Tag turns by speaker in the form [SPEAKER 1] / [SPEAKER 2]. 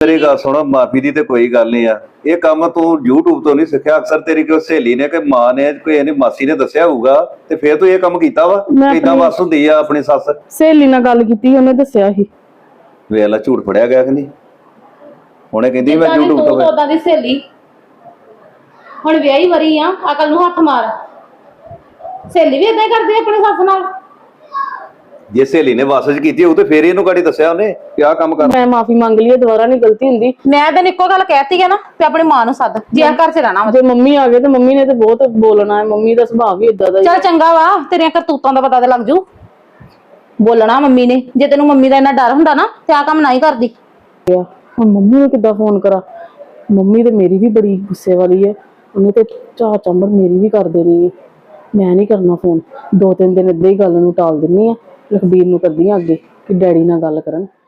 [SPEAKER 1] तेरी गल सुनो, माफी दी ते कोई गल नहीं आ। ये काम तू यूट्यूब तो नहीं सीखा, अक्सर तेरी कोई सहेली ने कि मां ने कोई यानी मासी ने दस्या होगा ते फिर तू ये काम कीता वा। इदां बस हुंदी आ अपनी सੱਸ।
[SPEAKER 2] सहेली नाल गल कीती, ਉਹਨੇ ਦੱਸਿਆ ਸੀ।
[SPEAKER 1] ਵੇਲਾ ਝੂਠ ਫੜਿਆ ਗਿਆ ਕਿ ਨਹੀਂ? ਹੁਣੇ ਕਹਿੰਦੀ ਮੈਂ यूट्यूब ਤੋਂ।
[SPEAKER 3] ਉਹਦਾ ਦੀ ਸਹੇਲੀ ਹੁਣ ਵਿਆਹੀ ਵਰੀ ਆ, ਅਕਲ ਨੂੰ ਹੱਥ ਮਾਰ। ਸਹੇਲੀ ਵੀ ਇਦਾਂ ਹੀ ਕਰਦੀ ਆਪਣੀ ਸੱਸ ਨਾਲ।
[SPEAKER 1] ਜੇ ਸਹੇਲੀ ਨੇ ਵਾਸਜ ਕੀਤੀ ਉਹ ਤੇ ਫੇਰ ਇਹਨੂੰ ਕਾੜੀ ਦੱਸਿਆ ਉਹਨੇ ਕਿ ਆਹ ਕੰਮ ਕਰ।
[SPEAKER 2] ਮੈਂ ਮਾਫੀ ਮੰਗ ਲਈ, ਦੁਬਾਰਾ ਨਹੀਂ ਗਲਤੀ ਹੁੰਦੀ।
[SPEAKER 3] ਮੈਂ ਤਾਂ ਇੱਕੋ ਗੱਲ ਕਹਿਤੀ ਹੈ ਨਾ ਕਿ ਆਪਣੀ ਮਾਂ ਨੂੰ ਸੱਦ, ਜੇ ਘਰ 'ਚ ਰਹਿਣਾ ਵਾ।
[SPEAKER 2] ਜੇ ਮੰਮੀ ਆ ਗਏ ਤੇ ਮੰਮੀ ਨੇ ਤੇ ਬਹੁਤ ਬੋਲਣਾ ਹੈ, ਮੰਮੀ ਦਾ ਸੁਭਾਅ ਵੀ ਇਦਾਂ ਦਾ।
[SPEAKER 3] ਚੱਲ ਚੰਗਾ ਵਾ, ਤੇਰੀਆਂ ਕਰਤੂਤਾਂ ਦਾ ਪਤਾ ਤੇ ਲੱਗ ਜੂ। ਬੋਲਣਾ ਮੰਮੀ ਨੇ, ਜੇ ਤੈਨੂੰ ਮੰਮੀ ਦਾ ਇੰਨਾ ਡਰ ਹੁੰਦਾ ਨਾ ਤੇ ਆਹ ਕੰਮ ਨਾ ਹੀ ਕਰਦੀ।
[SPEAKER 2] ਹੁਣ ਮੰਮੀ ਨੂੰ ਕਿੱਦਾਂ ਫੋਨ ਕਰਾਂ? ਮੰਮੀ ਤੇ ਮੇਰੀ ਵੀ ਬੜੀ ਗੁੱਸੇ ਵਾਲੀ ਹੈ, ਉਹਨੇ ਤੇ ਚਾਹ ਚੰਬੜ ਮੇਰੀ ਵੀ ਕਰ ਦੇਣੀ ਹੈ। ਮੈਂ ਨਹੀਂ ਕਰਨਾ ਫੋਨ, 2-3 ਦਿਨ ਏਦਾਂ ਹੀ ਗੱਲ ਨੂੰ ਟਾਲ ਦਿੰਨੀ ਆ। ਲਖਬੀਰ ਨੂੰ ਕਰਦੀ ਆ ਅੱਗੇ ਕਿ ਡੈਡੀ ਨਾਲ ਗੱਲ ਕਰਨ।